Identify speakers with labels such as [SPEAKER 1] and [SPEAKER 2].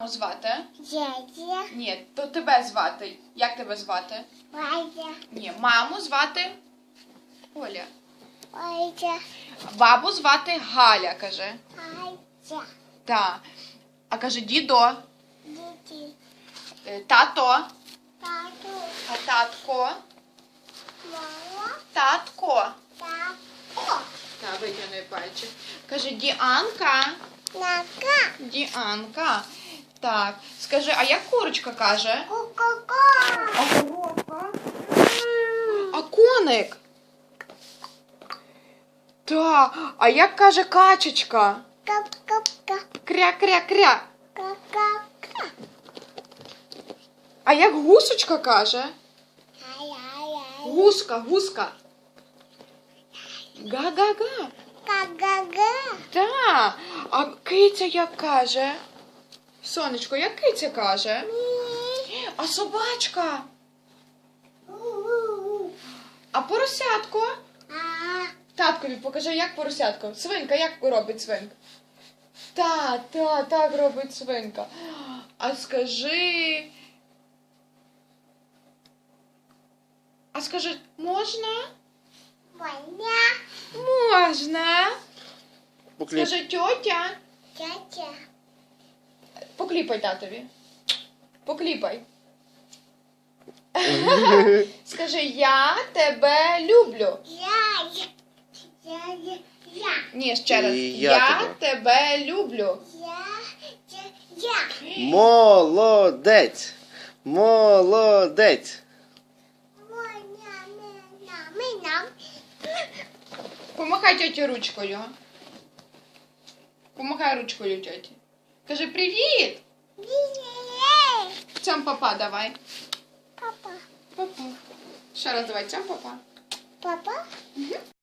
[SPEAKER 1] Звати?
[SPEAKER 2] Дядя.
[SPEAKER 1] Ні, то тебе звати. Як тебе звати?
[SPEAKER 2] Валя.
[SPEAKER 1] Ні, маму звати Оля.
[SPEAKER 2] Валя.
[SPEAKER 1] Бабу звати Галя, каже.
[SPEAKER 2] Валя.
[SPEAKER 1] Так. А каже дідо.
[SPEAKER 2] Діти.
[SPEAKER 1] Тато.
[SPEAKER 2] Тату.
[SPEAKER 1] А татко.
[SPEAKER 2] Мама.
[SPEAKER 1] Татко.
[SPEAKER 2] Тако.
[SPEAKER 1] Так, витягни пальчик. Каже Діанка.
[SPEAKER 2] Нака.
[SPEAKER 1] Діанка. Так. Скажи, а як курочка каже?
[SPEAKER 2] Ку-ку-ку.
[SPEAKER 1] А коровка? А коник? Так. А як каже качечка?
[SPEAKER 2] Кап-кап-ка.
[SPEAKER 1] Кря-кря-кря.
[SPEAKER 2] Ка-ка-ка.
[SPEAKER 1] А як гусочка каже?
[SPEAKER 2] Ай-ай-ай.
[SPEAKER 1] Гуска, гуска. Га-га-га.
[SPEAKER 2] Ка-га-га.
[SPEAKER 1] Так. А киця як каже? Сонечко, як киця каже?
[SPEAKER 2] Мі.
[SPEAKER 1] А собачка?
[SPEAKER 2] У-у-у.
[SPEAKER 1] А поросятко?
[SPEAKER 2] А.
[SPEAKER 1] Таткові покажи, як поросятко. Свинка, як робить свинка? Так робить свинка. А скажи. А скажи, можна?
[SPEAKER 2] Ваня.
[SPEAKER 1] Можна.
[SPEAKER 3] Покліп.
[SPEAKER 1] Скажи, тьотя.
[SPEAKER 2] Тятя.
[SPEAKER 1] Покліпай татові. Покліпай. Скажи, я тебе люблю.
[SPEAKER 2] Я.
[SPEAKER 1] Ні, ще раз.
[SPEAKER 3] І я
[SPEAKER 1] тебе люблю.
[SPEAKER 2] Я.
[SPEAKER 3] Молодець. Молодець.
[SPEAKER 2] Мінам.
[SPEAKER 1] Помахай тьоті ручкою. Помахай ручкою тьоті. Кажи привіт. Цям папа давай.
[SPEAKER 2] Папа.
[SPEAKER 1] Папа. Ще раз давай цям папа.
[SPEAKER 2] Папа.